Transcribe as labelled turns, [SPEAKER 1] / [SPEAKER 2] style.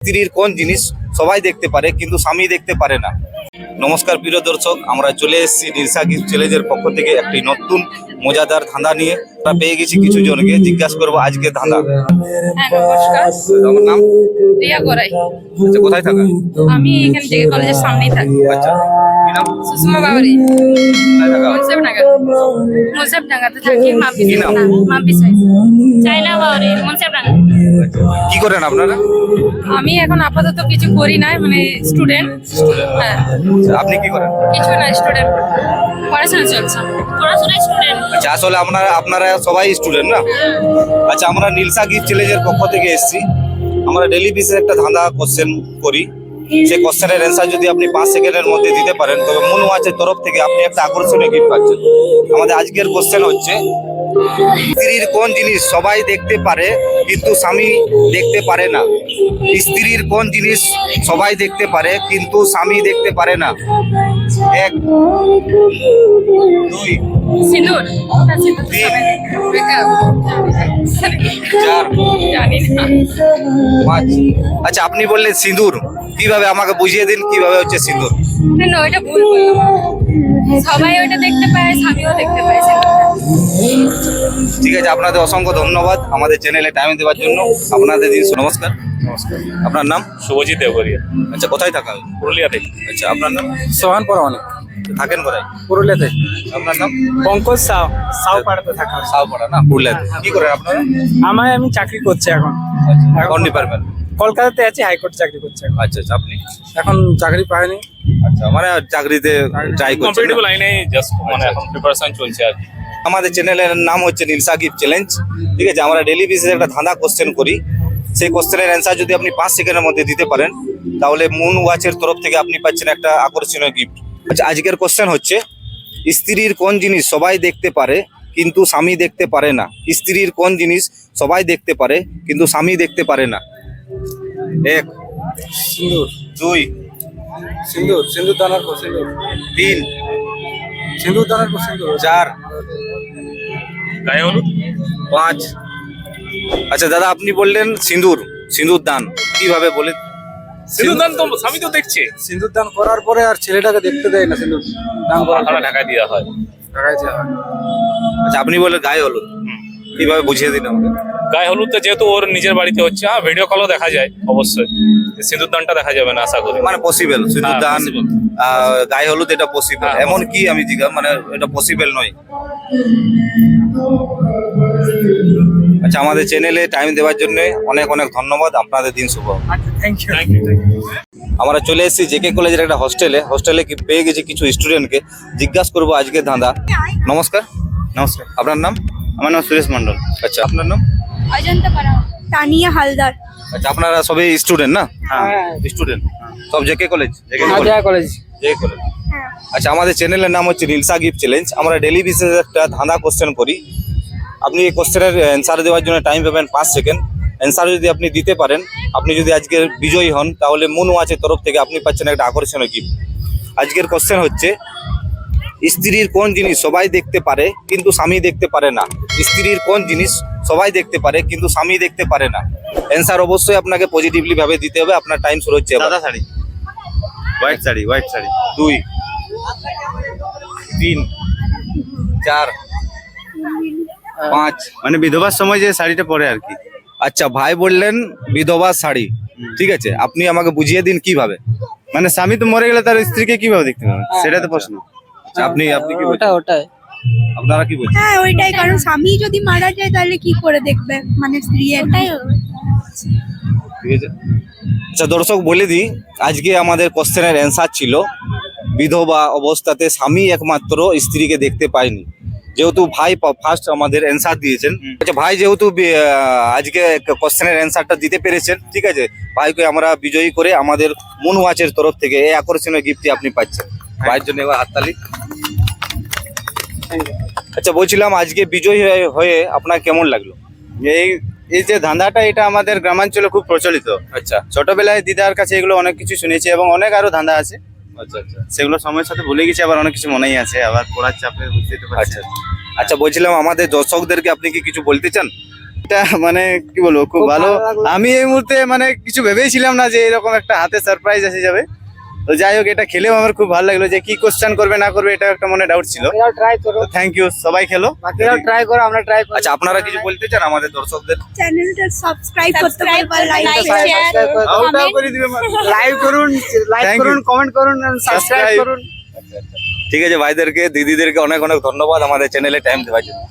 [SPEAKER 1] স্ত্রীর কোন জিনিস সবাই দেখতে পারে কিন্তু স্বামী দেখতে পারে না। নমস্কার প্রিয় দর্শক, আমরা চলে এসেছি নির্সা গিফট চ্যালেঞ্জের পক্ষ থেকে একটি নতুন মজাদার ধাঁধা নিয়ে। আমরা পেয়ে গেছি কিছু জনকে, জিজ্ঞাসা করবো আজকে ধাঁধা।
[SPEAKER 2] নমস্কার,
[SPEAKER 1] আমার নাম?
[SPEAKER 2] রিয়া গোরাই।
[SPEAKER 1] আচ্ছা, কোথায় থাকা?
[SPEAKER 2] আমি এখানে জেগে কলেজের সামনেই থাকি।
[SPEAKER 1] আচ্ছা, কি নাম?
[SPEAKER 2] সুষমা বাবারি।
[SPEAKER 1] কোথায় থাকা?
[SPEAKER 2] মুন্সেফডাঙ্গাতে থাকি।
[SPEAKER 1] কি নাম?
[SPEAKER 2] মাম্পিস চাইনা বাবারি, মুন্সেফডাঙ্গা।
[SPEAKER 1] কি করেন আপনারা?
[SPEAKER 2] আমি এখন আপাতত কিছু করি না, মানে স্টুডেন্ট। হ্যাঁ,
[SPEAKER 1] আচ্ছা, আপনি কি করেন?
[SPEAKER 2] কিছু না, স্টুডেন্ট, পড়াশোনা চলছে। পড়াশোনা স্টুডেন্ট।
[SPEAKER 1] আচ্ছা, আসলে আপনারা সবাই স্টুডেন্ট না? আচ্ছা, আমরা নির্সা গিফট চ্যালেঞ্জের পক্ষ থেকে এসেছি। আমরা ডেলি বেসিস একটা ধাঁধা কোশ্চেন করি। সেই কোশ্চেনের অ্যান্সার যদি আপনি 5 সেকেন্ডের মধ্যে দিতে পারেন তবে মন ওয়াচের তরফ থেকে আপনি একটা আকর্ষণীয় গিফট পাচ্ছেন। আমাদের আজকের কোশ্চেন হচ্ছে, স্ত্রীর কোন জিনিস সবাই দেখতে পারে কিন্তু স্বামী দেখতে পারে না? স্ত্রীর কোন জিনিস সবাই দেখতে পারে কিন্তু স্বামী দেখতে পারে না? 1 2
[SPEAKER 2] সিঁদুর। হ্যাঁ, সিঁদুর।
[SPEAKER 1] 3
[SPEAKER 2] মেকআপ।
[SPEAKER 1] 4
[SPEAKER 2] জানি না।
[SPEAKER 1] 5। আচ্ছা, আপনি বললেন সিঁদুর। কিভাবে আমাকে বুঝিয়ে দিন কিভাবে হচ্ছে সিঁদুর?
[SPEAKER 2] না, ওইটা ভুল বললাম। সবাই ওইটা দেখতে পায়, স্বামীও দেখতে পায় সিঁদুরটা।
[SPEAKER 1] ঠিক আছে, আপনাদের অসংখ্য ধন্যবাদ আমাদের চ্যানেলে টাইম দেওয়ার জন্য। আপনাদের দিন নমস্কার।
[SPEAKER 3] নমস্কার,
[SPEAKER 1] আপনার নাম?
[SPEAKER 3] শুভজিৎ দেবগরিয়া,
[SPEAKER 1] আচ্ছা, কোথায় থাকা?
[SPEAKER 3] পুরুলিয়াতে।
[SPEAKER 1] আচ্ছা, আপনার নাম?
[SPEAKER 3] সোহান পরমাণিক,
[SPEAKER 1] থাকেন কোথায়?
[SPEAKER 3] পুরুলিয়াতে।
[SPEAKER 1] আপনার নাম?
[SPEAKER 3] পঙ্কজ সাউ, সাউপাড়াতে থাকা।
[SPEAKER 1] সাউপাড়া না, পুরুলিয়াতে। কি করেন আপনারা?
[SPEAKER 3] আমি চাকরি করছি এখন।
[SPEAKER 1] কোন ডিপার্টমেন্ট?
[SPEAKER 3] কলকাতাতে আছি, হাইকোর্ট চাকরি করছি এখন।
[SPEAKER 1] আচ্ছা আচ্ছা, আপনি?
[SPEAKER 3] এখন চাকরি পাইনি।
[SPEAKER 1] আচ্ছা, মানে চাকরিতে ট্রাই করছেন
[SPEAKER 3] কম্পিটিটিভ
[SPEAKER 1] না?
[SPEAKER 3] লাইনে জাস্ট মানে এখন প্রিপারেশন চলছে আর কি।
[SPEAKER 1] আমাদের চ্যানেলের নাম হচ্ছে নির্সা গিফট চ্যালেঞ্জ। ঠিক আছে, আমরা ডেলি বেসিসে একটা ধাঁধা কোশ্চেন করি। সেই কোশ্চেনের অ্যান্সার যদি আপনি 5 সেকেন্ডের মধ্যে দিতে পারেন তাহলে মুন ওয়াচের তরফ থেকে আপনি পাচ্ছেন একটা আকর্ষণীয় গিফট। আচ্ছা, আজকের কোশ্চেন হচ্ছে, স্ত্রীর কোন জিনিস সবাই দেখতে পারে কিন্তু স্বামী দেখতে পারে না? স্ত্রীর কোন জিনিস সবাই দেখতে পারে কিন্তু স্বামী দেখতে পারে না? 1
[SPEAKER 3] সিন্দুর,
[SPEAKER 1] 2
[SPEAKER 3] সিন্দুর, সিন্দুর দানার পর সিন্দুর,
[SPEAKER 1] 3
[SPEAKER 3] সিন্দুর দানার পর সিন্দুর,
[SPEAKER 1] 4
[SPEAKER 3] গায়ে হলুদ,
[SPEAKER 1] 5। আচ্ছা দাদা, আপনি বললেন সিঁদুর, সিঁদুর দান। কিভাবে বলে?
[SPEAKER 3] সিন্দুর দান তো স্বামী তো দেখছে।
[SPEAKER 4] সিন্দুর দান করার পরে আর ছেলেটাকে দেখতে দেয় না। সিন্দুর দান করার
[SPEAKER 3] মাথাটা ঢাকা দেওয়া হয়।
[SPEAKER 4] টাকাইছে।
[SPEAKER 1] আচ্ছা, আপনি বললেন গায়ে হলুদ। কিভাবে বুঝিয়ে দিন আমাকে?
[SPEAKER 3] গায়ে হলুদটা যেহেতু ওর নিজের বাড়িতে হচ্ছে, হ্যাঁ ভিডিও কলও দেখা যায় অবশ্যই। সিন্দুর দানটা দেখা যাবে না আশা করি।
[SPEAKER 1] মানে পসিবল সিঁদুর
[SPEAKER 3] হ্যাঁ,
[SPEAKER 1] দান,
[SPEAKER 3] possible।
[SPEAKER 1] গায়ে হলুদ এটা পসিবল?
[SPEAKER 3] হ্যাঁ,
[SPEAKER 1] এমন কি আমি মানে এটা পসিবল নয়? আচ্ছা, আমাদের চ্যানেলে টাইম দেওয়ার জন্য অনেক অনেক ধন্যবাদ। আপনাদের দিন শুভ।
[SPEAKER 4] Thank you.
[SPEAKER 3] Thank you.
[SPEAKER 1] আমরা চলে এসেছি জেকে কলেজের একটা হোস্টেলে পেয়ে গেছি কিছু স্টুডেন্টকে, জিজ্ঞাসা করবো আজকে ধাঁধা। নমস্কার।
[SPEAKER 4] নমস্কার,
[SPEAKER 1] আপনার নাম?
[SPEAKER 4] আমার নাম সুরেশ মন্ডল।
[SPEAKER 1] আচ্ছা, আপনার নাম?
[SPEAKER 2] অজন্তা পাড়া, তানিয়া হালদার।
[SPEAKER 1] আচ্ছা, আপনারা সবাই স্টুডেন্ট না?
[SPEAKER 4] হ্যাঁ।
[SPEAKER 1] স্টুডেন্ট সব J K college?
[SPEAKER 4] College.
[SPEAKER 1] J K college. আচ্ছা, আমাদের চ্যানেলের নাম হচ্ছে নির্সা গিফট চ্যালেঞ্জ। আমরা ডেলি বেসিসে একটা ধাঁধা কোশ্চেন করি। আপনি এই কোশ্চেনের অ্যান্সার দেওয়ার জন্য টাইম পাবেন 5 সেকেন্ড। অ্যান্সার যদি আপনি দিতে পারেন, আপনি যদি আজকে বিজয়ী হন তাহলে মুন ওয়াচের তরফ থেকে আপনি পাচ্ছেন একটা আকর্ষণীয় গিফট। আজকের কোশ্চেন হচ্ছে, স্ত্রীর কোন জিনিস সবাই দেখতে পারে কিন্তু স্বামী দেখতে পারে না? স্ত্রীর কোন জিনিস সবাই দেখতে পারে কিন্তু স্বামী দেখতে পারে না? অ্যান্সার অবশ্যই আপনাকে পজিটিভলি ভাবে দিতে হবে। আপনার টাইম শুরু হচ্ছে এবার।
[SPEAKER 4] সাদা শাড়ি, হোয়াইট শাড়ি, হোয়াইট শাড়ি।
[SPEAKER 1] 2 3 4 5।
[SPEAKER 4] মানে বিধবার সময় যে শাড়িটা পরে আর কি।
[SPEAKER 1] আচ্ছা, ভাই বললেন বিধবা শাড়ি। ঠিক আছে, আপনি আমাকে বুঝিয়ে দিন কিভাবে।
[SPEAKER 4] মানে স্বামী তো মরে গেলে তার স্ত্রীকে কিভাবে দেখতে পাবে, সেটা তো প্রশ্ন।
[SPEAKER 1] আচ্ছা, আপনি কি বলছেন?
[SPEAKER 5] ওটাই
[SPEAKER 1] আপনারা কি বলছেন?
[SPEAKER 6] হ্যাঁ ওইটাই, কারণ স্বামী যদি মারা যায় তাহলে কি করে দেখবে, মানে স্ত্রী এটাই।
[SPEAKER 1] ঠিক আছে। আচ্ছা দর্শক, বলে দিই আজকে আমাদের কোশ্চেনের অ্যান্সার ছিল, বিধবা অবস্থাতে স্বামী একমাত্র স্ত্রীকে দেখতে পায়নি। যেহেতু ভাই ফার্স্ট আমাদের অ্যান্সার দিয়েছেন, আচ্ছা ভাই যেহেতু আজকে কোশ্চেনের অ্যান্সারটা দিতে পেরেছেন, ঠিক আছে, ভাইকে আমরা বিজয়ী করে আমাদের মুন ওয়াচের তরফ থেকে এই আকর্ষণীয় গিফটটি আপনি পাচ্ছেন। ভাইয়ের জন্য এবার হাততালি। আচ্ছা, বলছিলাম আজকে বিজয়ী হয়ে আপনার কেমন লাগলো?
[SPEAKER 4] এই এই যে ধাঁধাটা, এটা আমাদের গ্রামাঞ্চলে খুব প্রচলিত।
[SPEAKER 1] আচ্ছা
[SPEAKER 4] ছোটবেলায় দিদার কাছে এগুলো অনেক কিছু শুনেছি এবং অনেক আরো ধাঁধা আছে,
[SPEAKER 1] আচ্ছা আচ্ছা
[SPEAKER 4] সেগুলো সময়ের সাথে ভুলে গেছি, আবার অনেক কিছু মনেই আছে, আবার পড়ার চাপে বুঝতে
[SPEAKER 1] আচ্ছা আচ্ছা, বলছিলাম আমাদের দর্শকদেরকে আপনি কি কিছু বলতে চান?
[SPEAKER 4] এটা মানে কি বলবো, খুব ভালো। আমি এই মুহূর্তে মানে কিছু ভেবেইছিলাম না যে এরকম একটা হাতে সারপ্রাইজ এসে যাবে। তো যাই হোক, এটা খেলেও আমার খুব ভালো লাগলো। যে কি কোশ্চেন করবে না করবে এটা একটা মনে ডাউট ছিল।
[SPEAKER 5] ট্রাই করো,
[SPEAKER 4] থ্যাংক ইউ, সবাই খেলো।
[SPEAKER 5] বাকিরাও ট্রাই করো, আমরা ট্রাই করি।
[SPEAKER 1] আচ্ছা, আপনারা কিছু বলতে চান আমাদের দর্শকদের?
[SPEAKER 6] চ্যানেলটা সাবস্ক্রাইব করতে
[SPEAKER 2] Subscribe
[SPEAKER 6] পারবেন, লাইক
[SPEAKER 2] like,
[SPEAKER 6] করতে
[SPEAKER 2] share,
[SPEAKER 6] পারবেন।
[SPEAKER 4] আউটটাও
[SPEAKER 2] comment।
[SPEAKER 4] করে দিবে।
[SPEAKER 5] লাইক করুন, লাইক
[SPEAKER 4] Thank
[SPEAKER 5] করুন,
[SPEAKER 4] you.
[SPEAKER 5] কমেন্ট করুন, সাবস্ক্রাইব
[SPEAKER 4] Subscribe.
[SPEAKER 5] করুন।
[SPEAKER 1] ঠিক আছে, ভাইদেরকে দিদিদেরকে অনেক অনেক ধন্যবাদ আমাদের চ্যানেলে টাইম দেওয়ার জন্য।